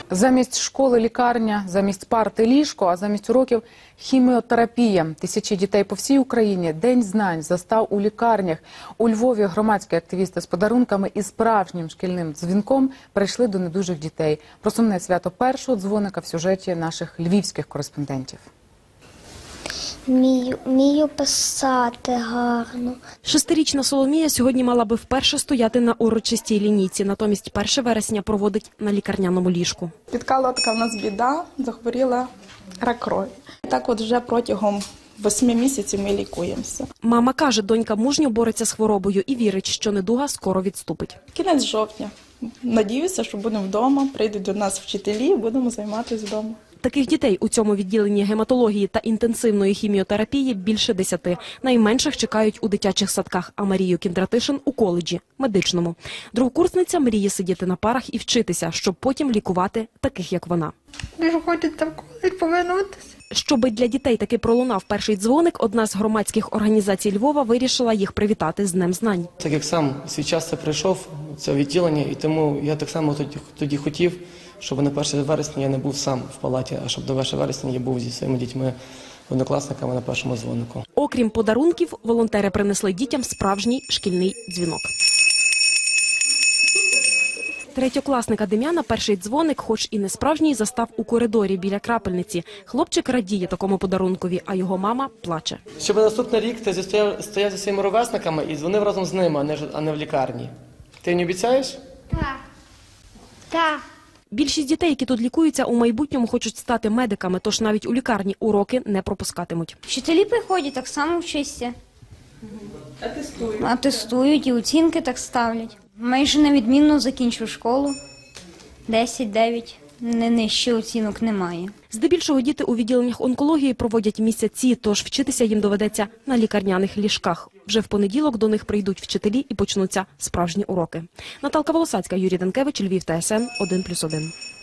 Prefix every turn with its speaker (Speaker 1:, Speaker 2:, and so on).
Speaker 1: Замість школи – лікарня, замість парти – ліжко, а замість уроків – хіміотерапія. Тисячі дітей по всій Україні День знань застав у лікарнях. У Львові громадські активісти з подарунками і справжнім шкільним дзвінком прийшли до недужих дітей. Про сумне свято першого дзвоника в сюжеті наших львівських кореспондентів.
Speaker 2: Вмію писати гарно.
Speaker 3: 6-річна Соломія сьогодні мала би вперше стояти на урочистій лінійці, натомість 1 вересня проводить на лікарняному ліжку.
Speaker 4: Спіткала така в нас біда, захворіла рак крові. Так от вже протягом 8 місяців ми лікуємося.
Speaker 3: Мама каже, донька мужньо бореться з хворобою і вірить, що недуга скоро відступить.
Speaker 4: Кінець жовтня. Надіюся, що будемо вдома, прийдуть до нас вчителі і будемо займатися вдома.
Speaker 3: Таких дітей у цьому відділенні гематології та інтенсивної хіміотерапії більше 10. Найменших чекають у дитячих садках, а Марію Кіндратишин – у коледжі, медичному. Другокурсниця мріє сидіти на парах і вчитися, щоб потім лікувати таких, як вона.
Speaker 5: Дуже хочеться в коледж повернутися.
Speaker 3: Щоби для дітей таки пролунав перший дзвоник, одна з громадських організацій Львова вирішила їх привітати з Днем знань.
Speaker 6: Так як сам свій час це прийшов, це відділення, і тому я так само тоді хотів, щоб на 1 вересня я не був сам в палаті, а щоб до 1 вересня я був зі своїми дітьми, однокласниками на першому дзвонику.
Speaker 3: Окрім подарунків, волонтери принесли дітям справжній шкільний дзвінок. Третьокласника Дем'яна перший дзвоник, хоч і не справжній, застав у коридорі біля крапельниці. Хлопчик радіє такому подарункові, а його мама плаче.
Speaker 6: Щоб наступний рік ти стояв зі своїми ровесниками і дзвонив разом з ними, а не в лікарні. Ти не обіцяєш?
Speaker 2: Так. Так.
Speaker 3: Більшість дітей, які тут лікуються, у майбутньому хочуть стати медиками, тож навіть у лікарні уроки не пропускатимуть.
Speaker 2: Вчителі приходять, так само вчаться. Атестують і оцінки так ставлять. Майже невідмінно закінчив школу. 10-9. Не нижче оцінок немає.
Speaker 3: Здебільшого діти у відділеннях онкології проводять місяці, тож вчитися їм доведеться на лікарняних ліжках. Вже в понеділок до них прийдуть вчителі і почнуться справжні уроки. Наталка Волосацька, Юрій Данкевич, Львів, ТСН 1+1.